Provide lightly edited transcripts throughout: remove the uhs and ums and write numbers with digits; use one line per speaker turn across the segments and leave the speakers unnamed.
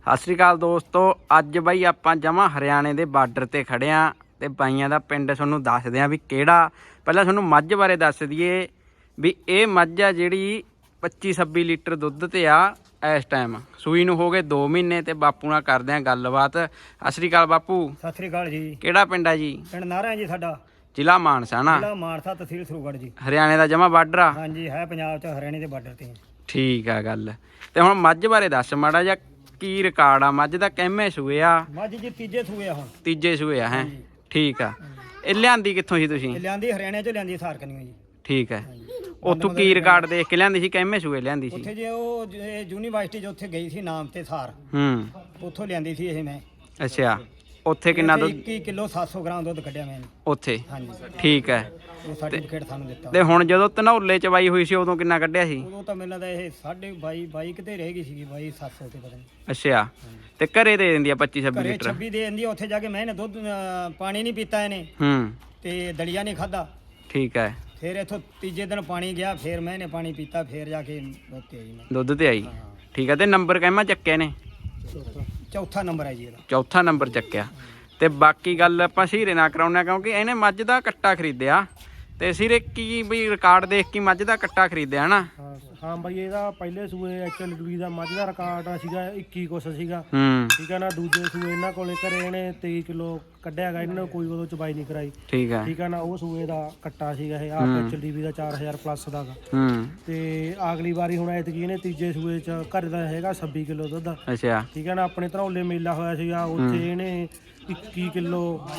ਸਤਿ ਸ਼੍ਰੀ ਅਕਾਲ ਦੋਸਤੋ। ਅੱਜ ਬਾਈ ਆਪਾਂ ਜਮਾਂ ਹਰਿਆਣੇ ਦੇ ਬਾਰਡਰ ਤੇ ਖੜੇ ਆਂ ਤੇ ਬਾਈਆਂ ਦਾ ਪਿੰਡ ਤੁਹਾਨੂੰ ਦੱਸਦੇ ਆਂ ਵੀ ਕਿਹੜਾ। ਪਹਿਲਾਂ ਤੁਹਾਨੂੰ ਮੱਝ ਬਾਰੇ ਦੱਸ ਦਈਏ ਵੀ ਇਹ ਮੱਝ ਆ ਜਿਹੜੀ 25-26 ਲੀਟਰ ਦੁੱਧ ਤੇ ਆ ਇਸ ਟਾਈਮ। ਸੂਈ ਨੂੰ ਹੋ ਗਏ 2 ਮਹੀਨੇ ਤੇ ਬਾਪੂ ਨਾਲ ਕਰਦੇ ਆਂ ਗੱਲਬਾਤ। ਸਤਿ ਸ਼੍ਰੀ ਅਕਾਲ ਬਾਪੂ।
ਸਤਿ ਸ਼੍ਰੀ ਅਕਾਲ ਜੀ।
ਕਿਹੜਾ ਪਿੰਡ ਆ ਜੀ?
ਪਿੰਡ ਨਾਰਾ ਜੀ ਸਾਡਾ,
ਜ਼ਿਲ੍ਹਾ ਮਾਨਸਾ ਨਾ?
ਜ਼ਿਲ੍ਹਾ ਮਾਨਸਾ, ਤਹਿਸੀਲ ਸਰੂਗੜ੍ਹ ਜੀ।
ਹਰਿਆਣੇ ਦਾ ਜਮਾਂ ਬਾਰਡਰ ਆ?
ਹਾਂਜੀ ਹੈ, ਪੰਜਾਬ ਚ ਹਰਿਆਣੇ ਦੇ ਬਾਰਡਰ ਤੇ।
ਠੀਕ ਆ ਗੱਲ। ਤੇ ਹੁਣ ਮੱਝ ਬਾਰੇ ਦੱਸ ਮਾੜਾ ਜਿਹਾ, ਕੀ ਰਿਕਾਰਡ ਆ ਮੱਝ ਦਾ? ਕਿੰਨੇ ਸੂਏ ਆ?
ਮੱਝ ਜੀ ਤੀਜੇ ਸੂਏ ਆ ਹੁਣ।
ਤੀਜੇ ਸੂਏ ਆ ਹੈ? ਠੀਕ ਆ। ਇਹ ਲਿਆਂਦੀ ਕਿੱਥੋਂ ਸੀ ਤੁਸੀਂ?
ਲਿਆਂਦੀ ਹਰਿਆਣੇ ਚ ਲਿਆਂਦੀ ਸਾਰਕਨੀਓ ਜੀ।
ਠੀਕ ਹੈ। ਉੱਥੋਂ ਕੀ ਰਿਕਾਰਡ ਦੇਖ ਕੇ ਲਿਆਂਦੀ ਸੀ? ਕਿੰਨੇ ਸੂਏ ਲਿਆਂਦੀ ਸੀ?
ਉੱਥੇ ਜੇ ਉਹ ਯੂਨੀਵਰਸਿਟੀ ਚ ਉੱਥੇ ਗਈ ਸੀ ਨਾਮ ਤੇ ਸਾਰ, ਉੱਥੋਂ ਲਿਆਂਦੀ ਸੀ ਇਹ ਮੈਂ।
ਅੱਛਾ, ਉੱਥੇ ਕਿੰਨਾ ਦੁੱਧ?
21 ਕਿਲੋ 700 ਗ੍ਰਾਮ ਦੁੱਧ ਕੱਢਿਆ ਮੈਂ
ਉੱਥੇ?
ਹਾਂਜੀ
ਠੀਕ ਹੈ।
ਉਹ ਸਰਟੀਫਿਕੇਟ ਸਾਨੂੰ ਦਿੱਤਾ।
ਤੇ ਹੁਣ ਜਦੋਂ ਧਨੌਲੇ ਚ ਬਾਈ ਹੋਈ ਸੀ ਉਦੋਂ ਕਿੰਨਾ ਕੱਢਿਆ ਸੀ?
ਉਦੋਂ ਤਾਂ ਮੈਨੂੰ ਲੱਗਦਾ ਇਹ 22.5 ਕਿਤੇ ਰਹਿ ਗਈ ਸੀਗੀ, 22,700 ਤੇ ਪਤਾ ਨਹੀਂ।
ਅੱਛਾ, ਤੇ ਘਰੇ ਦੇ ਦਿੰਦੀ ਆ 25-26
ਘਰੇ
ਲੀਟਰ?
26 ਦੇ ਦਿੰਦੀ ਆ। ਉੱਥੇ ਜਾ ਕੇ ਮੈਂ ਇਹਨੇ ਦੁੱਧ ਪਾਣੀ ਨਹੀਂ ਪੀਤਾ ਇਹਨੇ ਤੇ ਦਲੀਆ ਨਹੀਂ ਖਾਦਾ।
ਠੀਕ ਹੈ।
ਫਿਰ ਇੱਥੋਂ ਤੀਜੇ ਦਿਨ ਪਾਣੀ ਗਿਆ, ਫਿਰ ਮੈਂ ਇਹਨੇ ਪਾਣੀ ਪੀਤਾ, ਫਿਰ ਜਾ ਕੇ ਦੁੱਧ ਤੇ ਆਈ ਮੈਂ।
ਦੁੱਧ ਤੇ ਆਈ? ਠੀਕ ਹੈ। ਤੇ ਨੰਬਰ ਕਿੰਨਾ ਚੱਕਿਆ ਨੇ?
ਚੌਥਾ ਨੰਬਰ ਹੈ ਜੀ ਇਹਦਾ।
ਚੌਥਾ ਨੰਬਰ ਚੱਕਿਆ। ਤੇ ਬਾਕੀ ਗੱਲ ਆਪਾਂ ਸੀਰੇ ਨਾਲ ਕਰਾਉਂਦੇ ਕਿਉਂਕਿ ਇਹਨੇ ਮੱਝ ਦਾ ਕੱਟਾ ਖਰੀਦਿਆ ਤੇ ਸੀਰੇ ਕੀ ਵੀ ਰਿਕਾਰਡ ਦੇਖ ਕੇ ਮੱਝ ਦਾ ਕੱਟਾ ਖਰੀਦਿਆ ਨਾ?
ਹਾਂ ਬਾਈ, ਇਹਦਾ ਪਹਿਲੇ ਸੂਏ HLD ਦਾ ਮੱਝ ਦਾ ਰਿਕਾਰਡ ਸੀਗਾ 21 ਕੁਛ ਸੀਗਾ। ਠੀਕ ਹੈ ਨਾ। ਦੂਜੇ ਸੂਏ ਇਹਨਾਂ ਕੋਲੇ ਘਰੇ ਇਹਨੇ 23 ਕਿਲੋ ਕੱਢਿਆ ਹੈਗਾ। ਇਹਨਾਂ ਨੇ ਕੋਈ ਉਦੋਂ ਚਬਾਈ ਨਹੀਂ ਕਰਾਈ। ਠੀਕ ਹੈ ਨਾ। ਉਹ ਸੂਏ ਦਾ ਕੱਟਾ ਸੀਗਾ ਇਹ ਆਪ HLD ਦਾ 4000 ਪਲੱਸ ਦਾ ਤੇ ਅਗਲੀ ਵਾਰੀ ਹੁਣ ਐਤਕੀ ਇਹਨੇ ਤੀਜੇ ਸੂਏ ਚ ਘਰ ਦਾ ਹੈਗਾ 26 ਕਿਲੋ ਦੁੱਧ। ਅੱਛਾ, ਠੀਕ ਹੈ ਨਾ। ਆਪਣੇ ਧਨੌਲੇ ਮੇਲਾ ਹੋਇਆ ਸੀਗਾ, ਉੱਥੇ ਇਹਨੇ 21 ਕਿਲੋ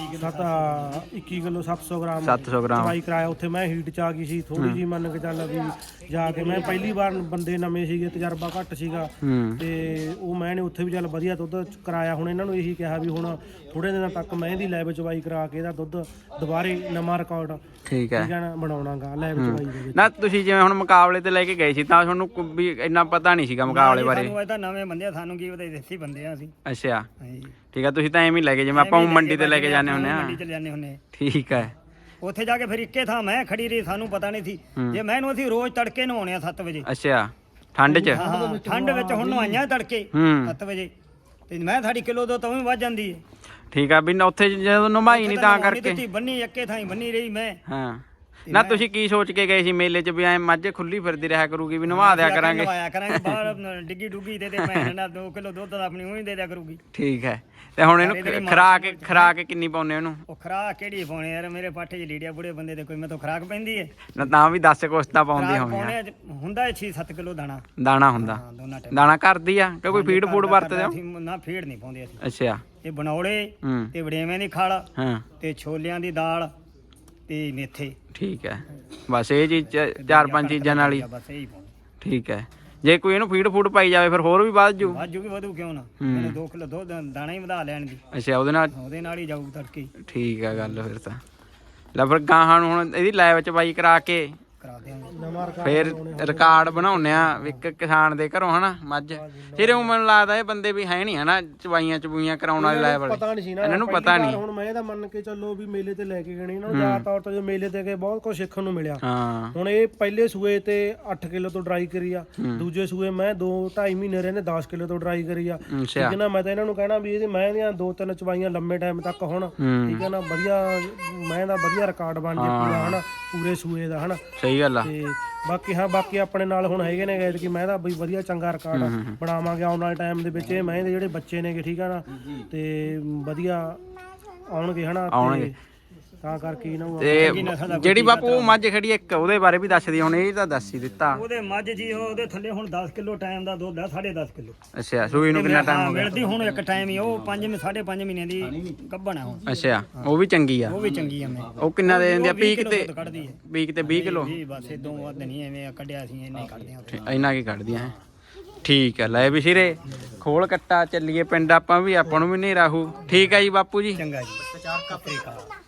700 ਗ੍ਰਾਮ ਚਬਾਈ ਕਰਾਇਆ। ਉੱਥੇ ਮੈਂ ਹੀਟ ਚ ਆ ਗਈ ਸੀ ਥੋੜੀ ਜੀ, ਮੰਨ ਕੇ ਚੱਲ ਵੀ ਜਾ ਕੇ ਮੈਂ ਪਹਿਲੀ ਵਾਰ, ਬੰਦੇ ਨਵੇਂ ਸੀਗੇ, ਤਜਰਬਾ ਘੱਟ ਸੀਗਾ ਤੇ ਉਹ ਮੈਂ ਨੇ ਉੱਥੇ ਵੀ ਚੱਲ ਵਧੀਆ ਦੁੱਧ ਕਰਾਇਆ। ਹੁਣ ਇਹਨਾਂ ਨੂੰ ਇਹੀ ਕਿਹਾ ਵੀ ਹੁਣ ਥੋੜੇ ਦਿਨਾਂ ਤੱਕ ਮੈਂ ਦੀ ਲੈਬ ਚਵਾਈ ਕਰਾ ਕੇ ਇਹਦਾ ਦੁੱਧ ਦੁਬਾਰੇ ਨਵਾਂ ਰਿਕਾਰਡ ਠੀਕ ਹੈ ਨਾ ਬਣਾਉਣਾਗਾ ਲੈਬ ਚਵਾਈ ਦੇ ਵਿੱਚ ਨਾ। ਤੁਸੀਂ ਜਿਵੇਂ ਹੁਣ ਮੁਕਾਬਲੇ ਤੇ ਲੈ ਕੇ ਗਏ ਸੀ ਤਾਂ ਤੁਹਾਨੂੰ ਵੀ ਇੰਨਾ ਪਤਾ ਨਹੀਂ ਸੀਗਾ ਮੁਕਾਬਲੇ ਬਾਰੇ?
ਸਾਨੂੰ ਇਹ ਤਾਂ ਨਵੇਂ ਬੰਦੇ, ਸਾਨੂੰ ਕੀ ਪਤਾ ਦੇਸੀ ਬੰਦੇ ਆ ਅਸੀਂ।
ਅੱਛਾ, ਠੀਕ ਹੈ। ਤੁਸੀਂ ਤਾਂ ਐਵੇਂ ਹੀ ਲੈ ਕੇ, ਜਿਵੇਂ ਆਪਾਂ ਮੰਡੀ ਤੇ ਲੈ ਕੇ ਜਾਂਦੇ ਹੁੰਦੇ ਆ?
ਮੰਡੀ ਚ ਜਾਂਦੇ ਹੁੰਦੇ।
ਠੀਕ ਹੈ।
ਉੱਥੇ ਜਾ ਕੇ ਫਿਰ ਇੱਕੇ ਥਾਂ ਮੈਂ ਖੜੀ ਰਹੀ, ਸਾਨੂੰ ਪਤਾ ਨਹੀਂ ਸੀ। ਜੇ ਮੈਨੂੰ ਅਸੀਂ ਰੋਜ਼ ਤੜਕੇ ਨਹਾਉਣੇ ਆ 7 ਵਜੇ।
ਅੱਛਾ, ਠੰਡ ਚ?
ਹਾਂ, ਠੰਡ ਵਿੱਚ। ਹੁਣ ਨਹਾਈਆਂ ਤੜਕੇ 7 ਵਜੇ ਤੇ ਮੈਂ ਸਾਡੀ ਕਿਲੋ ਦੋ ਤਾਂ ਵੀ ਵੱਜ ਜਾਂਦੀ ਹੈ। ਠੀਕ ਆ।
ਵੀ ਉੱਥੇ ਜਦੋਂ ਨਮਾਈ ਨਹੀਂ ਤਾਂ ਕਰਕੇ
ਬੰਨੀ ਇੱਕੇ ਥਾਂ ਹੀ ਬੰਨੀ ਰਹੀ ਮੈਂ।
ਹਾਂ ਨਾ, ਤੁਸੀਂ ਕੀ ਸੋਚ ਕੇ ਗਏ ਸੀ ਮੇਲੇ 'ਚ ਵੀ ਐ ਮੱਝ ਖੁੱਲੀ ਫਿਰਦੀ ਰਿਹਾ ਕਰੂਗੀ ਵੀ ਨਵਾ ਦਿਆ ਕਰਾਂਗੇ?
ਨਵਾਇਆ ਕਰਾਂਗੇ ਬਾਹਰ ਡਿੱਗੀ ਡੁੱਗੀ ਤੇ ਮੈਂ ਨਾਲ 2 ਕਿਲੋ ਦੁੱਧ ਆਪਣੀ ਉਹੀ ਦੇ ਦਿਆ ਕਰੂਗੀ।
ਠੀਕ ਹੈ। ਤੇ ਹੁਣ ਇਹਨੂੰ ਖਰਾਕ ਕਿੰਨੀ ਪਾਉਨੇ ਉਹਨੂੰ?
ਉਹ ਖਰਾਕ ਕਿਹੜੀ ਪਾਉਣੇ ਯਾਰ, ਮੇਰੇ ਪਾਠੇ 'ਚ ਲੀੜਿਆ ਬੁੜੇ ਬੰਦੇ ਦੇ ਕੋਈ ਮੈਂ ਤਾਂ ਖਰਾਕ ਪੈਂਦੀ ਹੈ
ਨਾ? ਤਾਂ ਵੀ 10 ਕੋਸਤਾ ਪਾਉਂਦੀ ਹੋਵੇ।
ਹੁੰਦਾ 6-7 ਕਿਲੋ
ਦਾਣਾ ਹੁੰਦਾ? ਦਾਣਾ ਕਰਦੀ ਆ ਕਿ ਕੋਈ ਫੀਡ ਫੂਡ ਵਰਤਦੇ ਹੋ?
ਨਾ, ਫੀਡ ਨਹੀਂ ਪਾਉਂਦੇ ਅਸੀਂ।
ਅੱਛਾ।
ਇਹ ਬਣੌਲੇ ਤੇ ਵੜੇਵੇਂ ਦੀ ਖਲ ਤੇ ਛੋਲਿਆਂ ਦੀ ਦਾਲ ਤੇ ਮੇਥੇ। ਠੀਕ ਹੈ।
ਬਸ ਇਹ ਚੀਜ਼ 4-5 ਚੀਜ਼ਾਂ ਨਾਲ ਹੀ?
ਬਸ ਇਹੀ ਪਾਉਂਦੇ।
ਠੀਕ ਹੈ। ਜੇ ਕੋਈ ਇਹਨੂੰ ਫੀਡ ਫੂਡ ਪਾਈ ਜਾਵੇ ਫਿਰ ਹੋਰ ਵੀ ਵੱਧ ਜੂ?
ਵਧੂ ਕਿਉਂ ਨਾ। ਮੈਨੂੰ 2 ਕਿਲੋ ਦੁੱਧ ਦਾਣਾ ਹੀ ਵਧਾ ਲੈਣ ਦੀ।
ਅੱਛਾ, ਉਹਦੇ ਨਾਲ
ਹੀ ਜਾਊ ਤੜਕੇ।
ਠੀਕ ਹੈ ਗੱਲ। ਫਿਰ ਤਾਂ ਲੈ ਫਿਰ ਗਾਹਾਂ ਨੂੰ ਹੁਣ ਇਹਦੀ ਲੈਬ ਚ ਬਾਈ ਕਰਾ ਕੇ ਫਿਰ ਰਿਕਾਰਡ ਬਣਾਉਣੇ ਆ ਇੱਕ ਕਿਸਾਨ ਦੇ ਘਰੋਂ ਹਨਾ ਮੱਝ। ਫਿਰ ਉਹ ਮੈਨੂੰ ਲੱਗਦਾ ਇਹ ਬੰਦੇ ਵੀ ਹੈ ਨਹੀਂ ਹਨਾ ਚਬਾਈਆਂ ਚਬੂਈਆਂ ਕਰਾਉਣ ਵਾਲੇ ਲੈਬ ਵਾਲੇ?
ਪਤਾ ਨਹੀਂ ਸੀ ਨਾ
ਇਹਨਾਂ ਨੂੰ, ਪਤਾ ਨਹੀਂ।
ਹੁਣ ਮੈਂ ਇਹਦਾ ਮੰਨ ਕੇ ਚੱਲੋ ਵੀ ਮੇਲੇ ਤੇ ਲੈ ਕੇ ਗਏ ਇਹਨਾਂ ਨੂੰ, ਜ਼ਿਆਦਾ ਤੌਰ ਤੇ ਜੋ ਮੇਲੇ ਤੇ ਗਏ ਬਹੁਤ ਕੁਝ ਸਿੱਖਣ ਨੂੰ ਮਿਲਿਆ। ਹੁਣ ਇਹ ਪਹਿਲੇ ਸੂਏ ਤੇ 8 ਕਿਲੋ ਤੋਂ ਡਰਾਈ ਕਰੀ ਆ, ਦੂਜੇ ਸੂਏ ਮੈਂ 2-2.5 ਮਹੀਨੇ ਰਹੇ ਨੇ 10 ਕਿਲੋ ਤੋਂ ਡਰਾਈ ਕਰੀ ਆ। ਠੀਕ ਹੈ ਨਾ। ਮੈਂ ਤਾਂ ਇਹਨਾਂ ਨੂੰ ਕਹਿਣਾ ਵੀ ਇਹਦੀ ਮੈਂ ਦੀਆਂ 2-3 ਚਬਾਈਆਂ ਲੰਮੇ ਟਾਈਮ ਤੱਕ ਹੁਣ, ਠੀਕ ਹੈ ਨਾ, ਵਧੀਆ ਮੈਂ ਦਾ ਵਧੀਆ ਰਿਕਾਰਡ ਬਣ ਜੇ ਪੂਰਾ ਹਨਾ, ਪੂਰੇ ਸੂਏ ਦਾ ਹਨਾ। ਸਹੀ ਗੱਲ ਆ। ਤੇ ਬਾਕੀ ਆਪਣੇ ਨਾਲ ਹੁਣ ਹੈਗੇ ਨੇ ਕਿ ਮੈਂ ਤਾਂ ਬਈ ਵਧੀਆ ਚੰਗਾ ਰਿਕਾਰਡ ਬਣਾਵਾਂਗੇ ਆਉਣ ਵਾਲੇ ਟਾਈਮ ਦੇ ਵਿੱਚ। ਇਹ ਮੈਂ ਦੇ ਜਿਹੜੇ ਬੱਚੇ ਨੇਗੇ, ਠੀਕ ਆ ਨਾ, ਤੇ ਵਧੀਆ ਆਉਣਗੇ ਹਨਾ, ਤਾਂ ਕਰਕੇ ਇਹਨਾਂ ਨੂੰ। ਤੇ ਜਿਹੜੀ ਬਾਪੂ ਉਹ ਮੱਝ ਖੜੀ ਇੱਕ, ਉਹਦੇ ਬਾਰੇ ਵੀ ਦੱਸ ਦੀ ਹੁਣ। ਇਹ ਤਾਂ ਦੱਸ ਹੀ ਦਿੱਤਾ। ਉਹਦੇ
ਮੱਝ ਜੀ ਉਹਦੇ ਥੱਲੇ ਹੁਣ 10 ਕਿਲੋ ਟਾਈਮ ਦਾ ਦੁੱਧ ਆ, 10.5 ਕਿਲੋ।
ਅੱਛਾ, ਸੂਈ ਨੂੰ ਕਿੰਨਾ ਟਾਈਮ ਹੋ ਗਿਆ?
ਮਿਲਦੀ ਹੁਣ ਇੱਕ ਟਾਈਮ ਹੀ। ਉਹ 5.5 ਮਹੀਨੇ ਦੀ ਗੱਭਣ ਆ ਹੁਣ।
ਅੱਛਾ, ਉਹ ਵੀ ਚੰਗੀ ਆ?
ਉਹ ਵੀ ਚੰਗੀ ਆ। ਮੈਂ
ਉਹ ਕਿੰਨਾ ਦੇ ਦਿੰਦੀ ਆ? ਪੀਕ ਤੇ
ਕੱਢਦੀ ਹੈ।
ਪੀਕ ਤੇ 20 ਕਿਲੋ?
ਜੀ ਬਸ, ਇਦੋਂ ਵੱਧ ਨਹੀਂ ਐਵੇਂ ਕੱਢਿਆ ਸੀ, ਇੰਨੇ ਕੱਢਦੇ ਆ।
ਇੰਨਾ ਕੀ ਕੱਢਦੀਆਂ ਹੈ? ਠੀਕ ਹੈ। ਲੈ ਵੀ ਸਿਰੇ ਖੋਲ ਕੱਟਾ ਚੱਲੀਏ ਪਿੰਡ ਆਪਾਂ ਵੀ, ਆਪਾਂ ਨੂੰ ਵੀ ਨਹੀਂ ਰਾਹੂ। ਠੀਕ ਹੈ ਜੀ ਬਾਪੂ ਜੀ,
ਚੰਗਾ ਜੀ।